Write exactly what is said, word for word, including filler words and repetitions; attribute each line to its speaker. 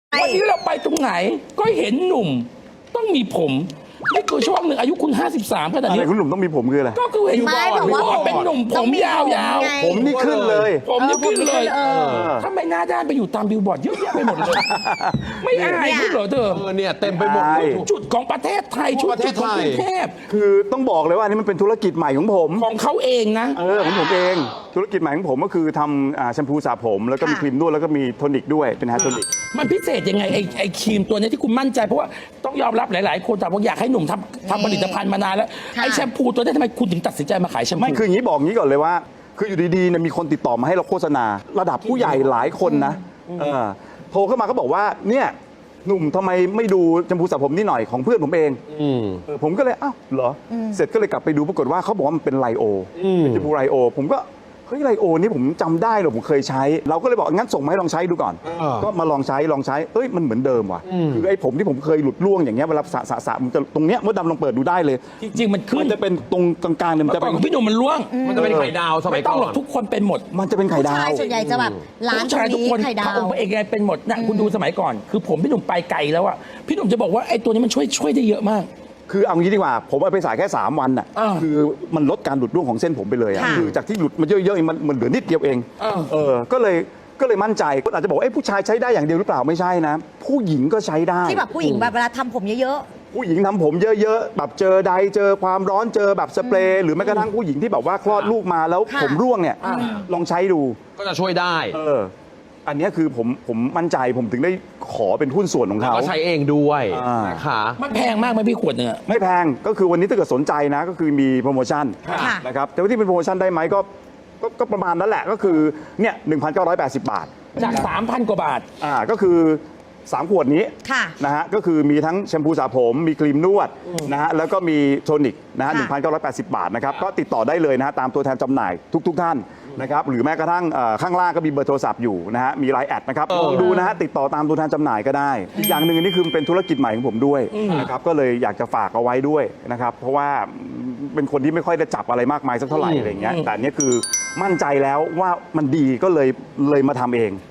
Speaker 1: วันนี้เราไปตรงไหนก็เห็นหนุ่มต้องมีผมนี่คือช่วงหนึ่งอายุคุณห้าสิบสามขนาด
Speaker 2: อะไร
Speaker 1: นี้
Speaker 2: คุณหนุ่มต้องมีผมคืออะไร
Speaker 1: ก็คือเห็น
Speaker 3: ไม่
Speaker 1: บอ
Speaker 3: บอกว่า
Speaker 1: ดเป็นหนุ่มผมยาว
Speaker 3: ไง
Speaker 2: ผมนี่ขึ้นเลย
Speaker 1: ๆผมนี่ขึ้นเลย
Speaker 3: เออ
Speaker 1: ทำไมหน้าด้านไปอยู่ตามบิลบอร์ดเยอะแยะไปหมดเลย ไม่อายคุณเหรอเธอ
Speaker 4: เออเนี่ยเต็มไปหมด
Speaker 2: ใช่
Speaker 1: จุดของประเทศไทยชุด
Speaker 4: ประเท
Speaker 1: จุ
Speaker 4: ศ
Speaker 1: ดของ
Speaker 4: ไท
Speaker 1: ก
Speaker 4: ย
Speaker 1: รุงเทพ
Speaker 2: คือต้องบอกเลยว่าอันนี้มันเป็นธุรกิจใหม่ของผม
Speaker 1: ของเขาเองนะ
Speaker 2: เออของผมเองธุรกิจใหม่ของผมก็คือทำอ่าแชมพูสระผมแล้วก็มี
Speaker 3: ค่ะ
Speaker 2: ครีมนวดแล้วก็มีโทนิกด้วยเป็นแฮร์โทนิก
Speaker 1: มันพิเศษยังไงไอ้ไอ้ครีมตัวเนี้ยที่คุณมั่นใจเพราะว่าต้องยอมรับหลาย ๆ คนแต่ว่าอยากให้หนุ่มทำทำผลิตภัณฑ์มานานแล้ว
Speaker 3: ค่ะ
Speaker 1: ไอ้แชมพูตัวเนี้ยทำไมคุณถึงตัดสินใจมาขายแชมพู
Speaker 2: ไม่คืออย่างนี้บอกงี้ก่อนเลยว่า คืออยู่ดีๆเนี่ยมีคนติดต่อมาให้เราโฆษณา ระดับผู้ใหญ่หลายคนนะเออโทรเข้ามาก็บอกว่าเนี่ยหนุ่มทำไมไม่ดูแชมพูสระผมนี่หน่อยของเพื่อนผมเอง
Speaker 4: อืม
Speaker 2: เออผมก็เลยอ้าวเหรออเสร็จก็เลยกลับไปดูปรากฏว่าเขาบอกว่ามันเป็นไลโอ
Speaker 4: อืม
Speaker 2: เป็นแชมพูไลโอ ผมก็เฮ้ยไลโอนี่ผมจำได้เหรอผมเคยใช้ เราก็เลยบอกงั้นส่งมาให้ลองใช้ดูก่อน
Speaker 4: อ่า
Speaker 2: ก็มาลองใช้ลองใช้เอ้ยมันเหมือนเดิมว่ะคือไอ้ผมที่ผมเคยหลุดร่วงอย่างเงี้ยเวลาสระสระสระมันจะตรงเนี้ยมดดำลองเปิดดูได้เลย
Speaker 1: จริง ๆ มันขึ้
Speaker 2: มัน นจะเป็นตรงกลางๆเนี่ยมัน
Speaker 1: เมื่อ
Speaker 2: จะ
Speaker 1: ก่อ
Speaker 2: เป็น น
Speaker 1: ของพี่หนุ่มมันร่วง
Speaker 4: มันจะเป็นไข่ดาวสมั
Speaker 1: ไม่
Speaker 4: ย
Speaker 1: ต้
Speaker 4: ก่
Speaker 1: อง
Speaker 4: อ
Speaker 1: หรอก
Speaker 4: น
Speaker 1: ทุกคนเป็นหมด
Speaker 2: มันจะเป็นไข่ดา
Speaker 3: ใช่
Speaker 2: ว
Speaker 3: ส่วนใหญ่จะแบบร้าน
Speaker 1: ผู้
Speaker 3: ตร
Speaker 1: ชาย
Speaker 3: ง
Speaker 1: ทุก
Speaker 3: นี้
Speaker 1: คน
Speaker 3: ไข่ดา
Speaker 1: พระ
Speaker 3: ว
Speaker 1: องค์พระเอกไงเป็นหมดนะคุณดูสมัยก่อน คือผมพี่หนุ่มไปไกลแล้วอะพี่หนุ่มจะบอกว่าไอ้ตัวนี้มันช่วยช่วยได้เยอะมาก
Speaker 2: คือเอางี้ดีกว่า ผมเอาไปสายแค่ สาม วันน่ะ
Speaker 1: อ่า
Speaker 2: คือมันลดการหลุดร่วงของเส้นผมไปเลยอะ
Speaker 3: ค่ะ
Speaker 2: คือจากที่หลุดมาเยอะๆเองมันมันเหลือนิดเดียวเอง
Speaker 1: อ่า
Speaker 2: เออก็เลยก็เลยมั่นใจก็อาจจะบอกว่าเอ้ยผู้ชายใช้ได้อย่างเดียวหรือเปล่าไม่ใช่นะ ผู้หญิงก็ใช้ได้
Speaker 3: ที่แบบผู้หญิงแบบเวลาทำผมเยอะ
Speaker 2: ผู้หญิงทำผมเยอะๆแบบเจอใดเจอความร้อนเจอแบบสเปรย์หรือแม้กระทั่งผู้หญิงที่แบบว่าคลอดลูกมาแล้ว
Speaker 3: ค่ะ
Speaker 2: ผมร่วงเนี่ยลองใช้ดู
Speaker 4: ก็จะช่วยได้
Speaker 2: เอออันเนี้ยคือผมผมมั่นใจผมถึงได้ขอเป็นหุ้นส่วนของ
Speaker 4: แล้ว
Speaker 2: เขา
Speaker 4: ก็ใช้เองด้วย
Speaker 2: อ่าน
Speaker 4: นะคะ
Speaker 1: มันแพงมากไหมพี่ขวดหนึ่งอะ
Speaker 2: ไม่แพงก็คือวันนี้ถ้าเกิดสนใจนะก็คือมีโปรโมชั่น
Speaker 3: ค่ะ
Speaker 2: นะครับแต่ว่าที่เป็นโปรโมชั่นได้ไหมก็ก็ก็ประมาณนั้นแหละก็คือเนี่ยหนึ่งพันเก้าร้อยแปดสิบบาท
Speaker 1: จาก สามพัน กว่าบาท
Speaker 2: อ่าก็คือสามขวดนี้
Speaker 3: ค่ะ
Speaker 2: นะฮะก็คือมีทั้งแชมพูสระผมมีครีมนวดนะฮะแล้วก็มีโทนิกนะฮะหนึ่งพันเก้าร้อยแปดสิบบาทนะครับก็ติดต่อได้เลยนะฮะตามตัวแทนจำหน่ายทุก ๆ ท่านนะครับหรือแม้กระทั่งเอ่อข้างล่างก็มีเบอร์โทรศัพท์อยู่นะฮะมีไลน์แอดนะครับ
Speaker 4: เออ
Speaker 2: ลองดูนะฮะติดต่อตามตัวแทนจำหน่ายก็ได้อีกอย่างหนึ่งอันนี้คือเป็นธุรกิจใหม่ของผมด้วยนะครับก็เลยอยากจะฝากเอาไว้ด้วยนะครับเพราะว่าเป็นคนที่ไม่ค่อยได้จับอะไรมากมายสักเท่าไหร่อะไรอย่างเงี้ยแต่อันเนี้ยคือมั่นใจแล้วว่ามันดีก็เลยเลยมาทำเอง